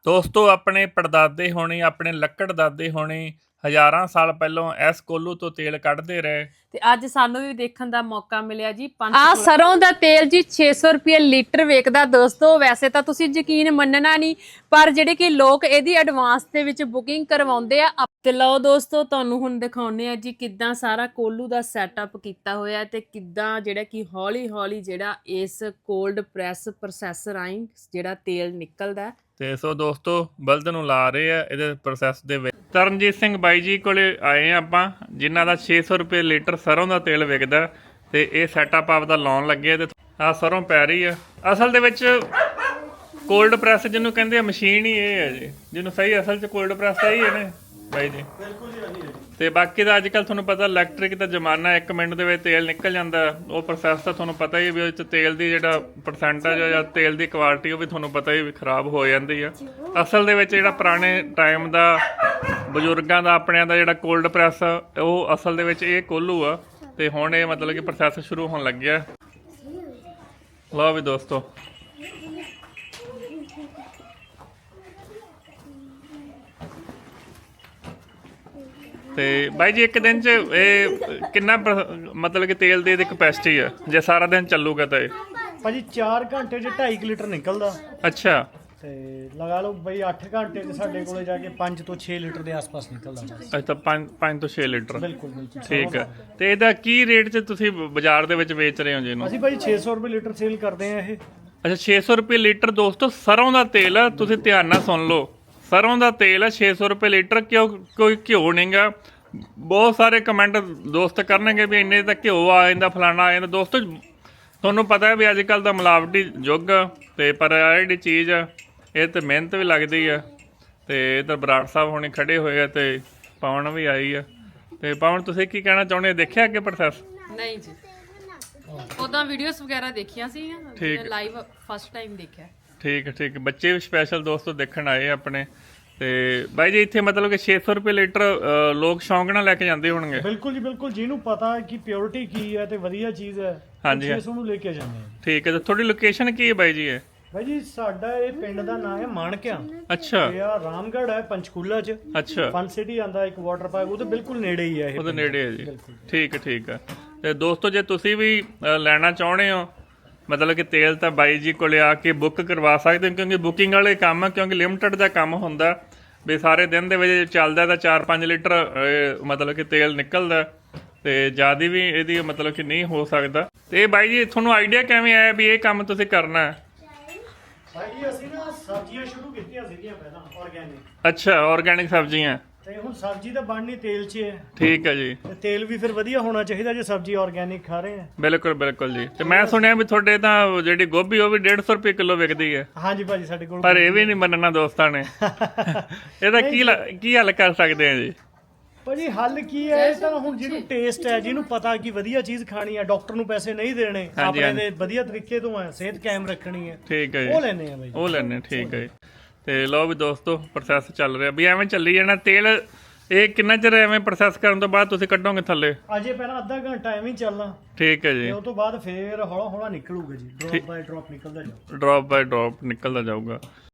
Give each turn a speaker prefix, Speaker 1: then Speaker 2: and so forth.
Speaker 1: ਦੋਸਤੋ ਆਪਣੇ ਪੜਦਾਦੇ ਹੋਣੇ ਆਪਣੇ ਲੱਕੜ ਦਾਦੇ ਹੋਣੇ ਹਜ਼ਾਰਾਂ ਸਾਲ ਪਹਿਲਾਂ ਇਸ ਕੋਲੂ ਤੋਂ ਤੇਲ ਕੱਢਦੇ ਰਹੇ
Speaker 2: ਤੇ ਅੱਜ ਸਾਨੂੰ ਵੀ ਦੇਖਣ ਦਾ ਮੌਕਾ ਮਿਲਿਆ ਜੀ ਸਰੋਂ ਦਾ ਤੇਲ ਜੀ 600 ਰੁਪਏ ਲੀਟਰ ਵੇਚਦਾ ਦੋਸਤੋ। ਵੈਸੇ ਤਾਂ ਤੁਸੀਂ ਯਕੀਨ ਮੰਨਣਾ ਨਹੀਂ, ਪਰ ਜਿਹੜੇ ਕਿ ਲੋਕ ਇਹਦੀ ਐਡਵਾਂਸ ਦੇ ਵਿੱਚ ਬੁਕਿੰਗ ਕਰਵਾਉਂਦੇ ਆ। ਤੇ ਲਓ ਦੋਸਤੋ, ਤੁਹਾਨੂੰ ਹੁਣ ਦਿਖਾਉਨੇ ਆ ਜੀ ਕਿੱਦਾਂ ਸਾਰਾ ਕੋਲੂ ਦਾ ਸੈਟਅਪ ਕੀਤਾ ਹੋਇਆ ਤੇ ਕਿੱਦਾਂ ਜਿਹੜਾ ਕਿ ਹੌਲੀ ਹੌਲੀ ਜਿਹੜਾ ਇਸ ਕੋਲਡ ਪ੍ਰੈਸ ਪ੍ਰੋਸੈਸਰ ਰਾਹੀਂ ਜਿਹੜਾ ਤੇਲ ਨਿਕਲਦਾ।
Speaker 1: ਤੇ ਸੋ ਦੋਸਤੋ ਬਲਦ ਨੂੰ ਲਾ ਰਹੇ ਆ ਇਹਦੇ ਪ੍ਰੋਸੈਸ ਦੇ ਵਿੱਚ। ਤਰਨਜੀਤ ਸਿੰਘ ਬਾਈ ਜੀ ਕੋਲੇ ਆਏ ਆ ਆਪਾਂ, ਜਿਨ੍ਹਾਂ ਦਾ 600 ਰੁਪਏ ਲੀਟਰ ਸਰੋਂ ਦਾ ਤੇਲ ਵਿਕਦਾ ਤੇ ਇਹ ਸੈਟਅਪ ਆਪਦਾ ਲਾਉਣ ਲੱਗੇ ਤੇ ਆ ਸਰੋਂ ਪੈ ਰਹੀ ਆ। ਅਸਲ ਦੇ ਵਿੱਚ ਕੋਲਡ ਪ੍ਰੈਸ ਜਿਹਨੂੰ ਕਹਿੰਦੇ ਆ ਮਸ਼ੀਨ ਹੀ ਇਹ ਹੈ ਜੀ, ਜਿਹਨੂੰ ਸਹੀ ਅਸਲ 'ਚ ਕੋਲਡ ਪ੍ਰੈਸ ਤਾਂ ਹੀ ਹੈ ਨੇ ਬਾਈ ਜੀ।
Speaker 3: ਬਿਲਕੁਲ ਜੀ ਹਾਂਜੀ।
Speaker 1: ਤੇ ਬਾਕੀ ਦਾ ਅੱਜ ਕੱਲ ਤੁਹਾਨੂੰ ਪਤਾ ਇਲੈਕਟ੍ਰਿਕ ਦਾ ਜ਼ਮਾਨਾ, 1 ਮਿੰਟ ਦੇ ਵਿੱਚ ਤੇਲ ਨਿਕਲ ਜਾਂਦਾ। ਉਹ ਪ੍ਰੋਸੈਸ ਤਾਂ ਤੁਹਾਨੂੰ ਪਤਾ ਹੀ ਵੀ ਉਹ 'ਚ ਤੇਲ ਦੀ ਜਿਹੜਾ ਪਰਸੈਂਟੇਜ ਜਾਂ ਤੇਲ ਦੀ ਕੁਆਲਿਟੀ ਉਹ ਵੀ ਤੁਹਾਨੂੰ ਪਤਾ ਹੀ ਵੀ ਖਰਾਬ ਹੋ ਜਾਂਦੀ ਆ। ਅਸਲ ਦੇ ਵਿੱਚ ਜਿਹੜਾ ਪੁਰਾਣੇ ਟਾਈਮ ਦਾ ਬਜ਼ੁਰਗਾਂ ਦਾ ਆਪਣਿਆਂ ਦਾ ਜਿਹੜਾ ਕੋਲਡ ਪ੍ਰੈਸ ਉਹ ਅਸਲ ਦੇ ਵਿੱਚ ਇਹ ਕੋਲੂ ਆ ਤੇ ਹੁਣ ਇਹ ਮਤਲਬ ਕਿ ਪ੍ਰੋਸੈਸ ਸ਼ੁਰੂ ਹੋਣ ਲੱਗਿਆ। ਲਓ ਵੀ ਦੋਸਤੋ, ਤੇ ਬਾਈ ਜੀ ਇੱਕ ਦਿਨ 'ਚ ਇਹ ਕਿੰਨਾ ਮਤਲਬ ਕਿ ਤੇਲ ਦੀ ਇਹਦੀ ਕਪੈਸਿਟੀ ਆ ਜੇ ਸਾਰਾ ਦਿਨ ਚੱਲੂਗਾ ਤਾਂ ਇਹ?
Speaker 3: ਭਾਜੀ 4 ਘੰਟੇ 'ਚ 2.5 ਲੀਟਰ ਨਿਕਲਦਾ।
Speaker 1: ਅੱਛਾ,
Speaker 3: ਤੇ ਲਗਾ ਲਓ ਬਈ 8 ਘੰਟੇ 'ਚ ਸਾਡੇ ਕੋਲੇ ਜਾ ਕੇ 5 ਤੋਂ 6 ਲੀਟਰ ਦੇ ਆਸ-ਪਾਸ ਨਿਕਲਦਾ ਬਸ।
Speaker 1: ਅੱਛਾ, 5 ਤੋਂ 6 ਲੀਟਰ।
Speaker 3: ਬਿਲਕੁਲ ਬਿਲਕੁਲ
Speaker 1: ਠੀਕ ਹੈ। ਤੇ ਇਹਦਾ ਕੀ ਰੇਟ 'ਚ ਤੁਸੀਂ ਬਾਜ਼ਾਰ ਦੇ ਵਿੱਚ ਵੇਚ ਰਹੇ ਹੋ ਜੀ ਇਹਨੂੰ?
Speaker 3: ਅਸੀਂ ਭਾਜੀ 600 ਰੁਪਏ ਲੀਟਰ ਸੇਲ ਕਰਦੇ ਆ ਇਹ।
Speaker 1: ਅੱਛਾ, 600 ਰੁਪਏ ਲੀਟਰ। ਦੋਸਤੋ ਸਰੋਂ ਦਾ ਤੇਲ ਆ, ਤੁਸੀਂ ਧਿਆਨ ਨਾਲ ਸੁਣ ਲਓ, ਸਰੋਂ ਦਾ ਤੇਲ ਆ 600 ਰੁਪਏ ਲੀਟਰ। ਕੋਈ ਘਿਓ ਨਹੀਂਗਾ। ਬਹੁਤ ਸਾਰੇ ਕਮੈਂਟ ਦੋਸਤ ਕਰਨਗੇ ਵੀ ਇੰਨੇ ਤਾਂ ਘਿਓ ਆ ਜਾਂਦਾ, ਫਲਾਣਾ ਆ ਜਾਂਦਾ। ਦੋਸਤੋ ਤੁਹਾਨੂੰ ਪਤਾ ਹੈ ਵੀ ਅੱਜ ਕੱਲ ਦਾ ਮਿਲਾਵਟੀ ਯੁੱਗ ਤੇ ਪਰ ਇਹ ਜਿਹੜੀ ਚੀਜ਼ ਆ ਇਹ ਤੇ ਮਿਹਨਤ ਵੀ ਲੱਗਦੀ ਆ। ਤੇ ਇਧਰ ਬਰਾੜ ਸਾਹਿਬ ਹੁਣੇ ਖੜੇ ਹੋਏ ਆ ਤੇ ਪਵਨ ਵੀ ਆਈ ਆ। ਤੇ ਪਵਨ ਤੁਸੀਂ ਕੀ ਕਹਿਣਾ ਚਾਹੁੰਦੇ? ਦੇਖਿਆ ਅੱਗੇ ਪ੍ਰੋਸੈਸ?
Speaker 2: ਨਹੀਂ ਜੀ, ਉਦਾਂ ਵੀਡੀਓਜ਼ ਵਗੈਰਾ ਦੇਖੀਆਂ ਸੀ, ਲਾਈਵ ਫਸਟ ਟਾਈਮ ਦੇਖਿਆ।
Speaker 1: ਠੀਕ ਠੀਕ। ਬੱਚੇ ਵੀ ਸਪੈਸ਼ਲ ਦੋਸਤੋ ਦੇਖਣ ਆਏ ਆਪਣੇ। ਤੇ ਬਾਈ ਜੀ ਇੱਥੇ ਮਤਲਬ ਕਿ 600 ਰੁਪਏ ਲੀਟਰ ਲੋਕ ਸ਼ੌਂਕ ਨਾਲ ਲੈ ਕੇ ਜਾਂਦੇ ਹੋਣਗੇ।
Speaker 3: ਬਿਲਕੁਲ ਜੀ ਬਿਲਕੁਲ, ਜਿਹਨੂੰ ਪਤਾ ਹੈ ਕਿ ਪਿਓਰਿਟੀ ਕੀ ਹੈ ਤੇ ਵਧੀਆ ਚੀਜ਼ ਹੈ,
Speaker 1: ਹਾਂਜੀ
Speaker 3: 600 ਨੂੰ ਲੈ ਕੇ ਜਾਂਦੇ ਆ।
Speaker 1: ਠੀਕ ਹੈ। ਤੇ ਤੁਹਾਡੀ ਲੋਕੇਸ਼ਨ ਕੀ ਹੈ ਬਾਈ ਜੀ? ਇਹ
Speaker 3: ਭਾਈ ਜੀ ਸਾਡਾ ਇਹ ਪਿੰਡ ਦਾ ਨਾਮ ਹੈ ਮਾਣਕਿਆ।
Speaker 1: ਅੱਛਾ,
Speaker 3: ਇਹ ਆ ਰਾਮਗੜ੍ਹ ਹੈ ਪੰਚਕੂਲਾ 'ਚ।
Speaker 1: ਅੱਛਾ,
Speaker 3: ਫਨ ਸਿਟੀ ਆਂਦਾ ਇੱਕ ਵਾਟਰ ਪਾਰਕ, ਉਹਦੇ ਬਿਲਕੁਲ ਨੇੜੇ ਹੀ ਹੈ ਇਹ।
Speaker 1: ਉਹਦੇ ਨੇੜੇ ਹੈ ਜੀ। ਠੀਕ ਹੈ ਠੀਕ ਹੈ। ਤੇ ਦੋਸਤੋ ਜੇ ਤੁਸੀਂ ਵੀ ਲੈਣਾ ਚਾਹੁੰਦੇ ਹੋ ਮਤਲਬ ਕਿ ਤੇਲ ਤਾਂ ਬਾਈ ਜੀ ਕੋਲੇ ਆ ਕੇ ਬੁੱਕ ਕਰਵਾ ਸਕਦੇ ਹੋ, ਕਿਉਂਕਿ ਬੁਕਿੰਗ ਵਾਲੇ ਕੰਮ ਆ, ਕਿਉਂਕਿ ਲਿਮਟਿਡ ਦਾ ਕੰਮ ਹੁੰਦਾ ਵੀ ਸਾਰੇ ਦਿਨ ਦੇ ਵਿੱਚ ਚੱਲਦਾ ਤਾਂ 4-5 ਲੀਟਰ ਮਤਲਬ ਕਿ ਤੇਲ ਨਿਕਲਦਾ ਤੇ ਜ਼ਿਆਦਾ ਵੀ ਇਹਦੀ ਮਤਲਬ ਕਿ ਨਹੀਂ ਹੋ ਸਕਦਾ। ਤੇ ਬਾਈ ਜੀ ਤੁਹਾਨੂੰ ਆਈਡੀਆ ਕਿਵੇਂ ਆਇਆ ਵੀ ਇਹ ਕੰਮ ਤੁਸੀਂ ਕਰਨਾ ਹੈ?
Speaker 3: ਭਾਈ ਜੀ ਅਸੀਂ ਨਾ ਸਬਜ਼ੀਆਂ ਸ਼ੁਰੂ ਕੀਤੀਆਂ ਸੀਗੀਆਂ ਪਹਿਲਾਂ ਆਰਗੈਨਿਕ।
Speaker 1: ਅੱਛਾ, ਆਰਗੈਨਿਕ ਸਬਜ਼ੀਆਂ।
Speaker 3: ਤੇ ਹੁਣ ਸਬਜ਼ੀ ਤਾਂ ਬਣਨੀ ਤੇਲ 'ਚ ਹੈ।
Speaker 1: ਠੀਕ ਹੈ ਜੀ।
Speaker 3: ਤੇ ਤੇਲ ਵੀ ਫਿਰ ਵਧੀਆ ਹੋਣਾ ਚਾਹੀਦਾ ਜੇ ਸਬਜ਼ੀ ਆਰਗੈਨਿਕ ਖਾ ਰਹੇ ਆ।
Speaker 1: ਬਿਲਕੁਲ ਬਿਲਕੁਲ ਜੀ। ਤੇ ਮੈਂ ਸੁਣਿਆ ਵੀ ਤੁਹਾਡੇ ਤਾਂ ਜਿਹੜੀ ਗੋਭੀ ਉਹ ਵੀ 150 ਰੁਪਏ ਕਿਲੋ ਵਿਕਦੀ ਹੈ।
Speaker 3: ਹਾਂਜੀ ਭਾਜੀ ਸਾਡੇ ਕੋਲ।
Speaker 1: ਪਰ ਇਹ ਵੀ ਨਹੀਂ ਮੰਨਣਾ ਦੋਸਤਾਂ ਨੇ। ਇਹਦਾ ਕੀ ਹੱਲ ਕਰ ਸਕਦੇ ਆ ਜੀ?
Speaker 3: ਭਾਜੀ ਹੱਲ ਕੀ ਹੈ? ਇਹ ਤਾਂ ਹੁਣ ਜਿਹਨੂੰ ਟੇਸਟ ਹੈ, ਜਿਹਨੂੰ ਪਤਾ ਕਿ ਵਧੀਆ ਚੀਜ਼ ਖਾਣੀ ਹੈ, ਡਾਕਟਰ ਨੂੰ ਪੈਸੇ ਨਹੀਂ ਦੇਣੇ, ਆਪਣੇ ਦੇ ਵਧੀਆ ਤਰੀਕੇ ਤੋਂ ਹੈ ਸਿਹਤ ਕਾਇਮ ਰੱਖਣੀ ਹੈ,
Speaker 1: ਠੀਕ ਹੈ ਜੀ,
Speaker 3: ਉਹ ਲੈਣੇ ਆ ਭਾਈ,
Speaker 1: ਉਹ ਲੈਣੇ। ਠੀਕ ਹੈ ਜੀ। ਤੇ ਲਓ ਵੀ ਦੋਸਤੋ ਪ੍ਰੋਸੈਸ ਚੱਲ ਰਿਹਾ ਵੀ ਐਵੇਂ ਚੱਲੀ ਜਾਣਾ ਤੇਲ। ਇਹ ਕਿੰਨਾ ਚਿਰ ਐਵੇਂ ਪ੍ਰੋਸੈਸ ਕਰਨ ਤੋਂ ਬਾਅਦ ਤੁਸੀਂ ਕੱਢੋਗੇ ਥੱਲੇ?
Speaker 3: ਅਜੇ ਪਹਿਲਾਂ ਅੱਧਾ ਘੰਟਾ ਐਵੇਂ ਹੀ ਚੱਲਣਾ।
Speaker 1: ਠੀਕ ਹੈ ਜੀ।
Speaker 3: ਤੇ ਉਸ ਤੋਂ ਬਾਅਦ ਫੇਰ ਹੌਲਾ ਹੌਲਾ ਨਿਕਲੂਗਾ ਜੀ, ਡ੍ਰੌਪ ਬਾਈ ਡ੍ਰੌਪ ਨਿਕਲਦਾ ਜਾਊਗਾ।
Speaker 1: ਡ੍ਰੌਪ ਬਾਈ ਡ੍ਰੌਪ ਨਿਕਲਦਾ ਜਾਊਗਾ।